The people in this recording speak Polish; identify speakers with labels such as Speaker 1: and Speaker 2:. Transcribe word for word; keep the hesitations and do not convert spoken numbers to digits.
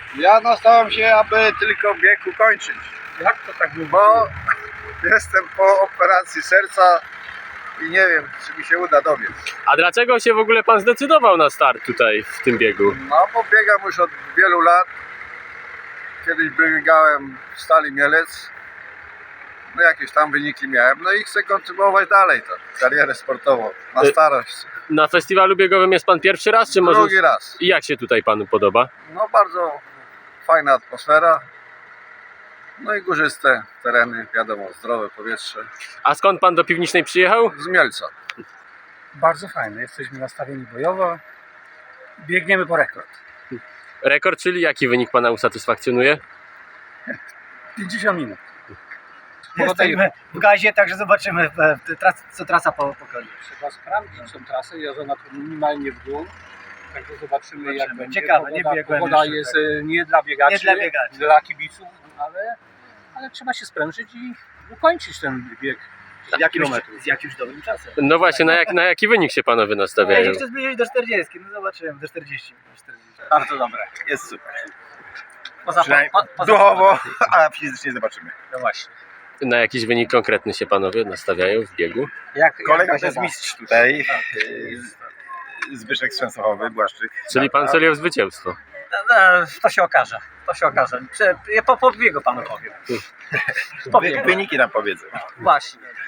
Speaker 1: Ja nastawiam się, aby tylko bieg ukończyć.
Speaker 2: Jak to tak było?
Speaker 1: Bo jestem po operacji serca i nie wiem, czy mi się uda dobiec.
Speaker 3: A dlaczego się w ogóle pan zdecydował na start tutaj w tym biegu?
Speaker 1: No bo biegam już od wielu lat. Kiedyś biegałem w Stali Mielec. No jakieś tam wyniki miałem. No i chcę kontynuować dalej to, karierę sportową na starość.
Speaker 3: Na festiwalu biegowym jest pan pierwszy raz, czy może...
Speaker 1: Drugi raz.
Speaker 3: I jak się tutaj panu podoba?
Speaker 1: No bardzo fajna atmosfera. No i górzyste tereny, wiadomo, zdrowe powietrze.
Speaker 3: A skąd pan do Piwnicznej przyjechał?
Speaker 1: Z Mielca.
Speaker 2: Bardzo fajne, jesteśmy nastawieni bojowo. Biegniemy po rekord.
Speaker 3: Rekord, czyli jaki wynik pana usatysfakcjonuje?
Speaker 2: pięćdziesiąt minut.
Speaker 4: Jesteśmy w gazie, także zobaczymy, co trasa pokaże.
Speaker 2: Trzeba sprawdzić tą trasę, jest ona tu minimalnie w dół. Także zobaczymy, jak
Speaker 4: Zobaczymy.
Speaker 2: będzie.
Speaker 4: Ciekawe, nie
Speaker 2: Pogoda,
Speaker 4: biegłem
Speaker 2: pogoda
Speaker 4: jeszcze,
Speaker 2: jest
Speaker 4: tak.
Speaker 2: e, nie dla biegaczy,
Speaker 4: Nie dla biegaczy.
Speaker 2: dla kibiców, ale, ale trzeba się sprężyć i ukończyć ten bieg.
Speaker 4: Z jakimś,
Speaker 2: kilometrów.
Speaker 4: z jakimś dobrym czasem.
Speaker 3: No właśnie, na, jak, na jaki wynik się panowie
Speaker 4: Ja
Speaker 3: nastawiają?
Speaker 4: się chcę zbliżyć do czterdziestki, no zobaczymy, do czterdziestu.
Speaker 5: Bardzo dobre, jest super.
Speaker 4: Poza,
Speaker 5: Przynajmniej
Speaker 4: po, poza
Speaker 5: duchowo, a fizycznie zobaczymy.
Speaker 4: No właśnie.
Speaker 3: Na jakiś wynik konkretny się panowie nastawiają w biegu?
Speaker 4: Jak,
Speaker 5: Kolega
Speaker 4: jak
Speaker 5: to jest mistrz tutaj, yy, Zbyszek Strzęsochowy, Błaszczyk.
Speaker 3: Czyli pan celi o zwycięstwo.
Speaker 4: No, no, to się okaże, to się okaże. Prze- Ja po, po biegu panu powiem.
Speaker 5: Wy- Wyniki nam powiedzą.
Speaker 4: Właśnie.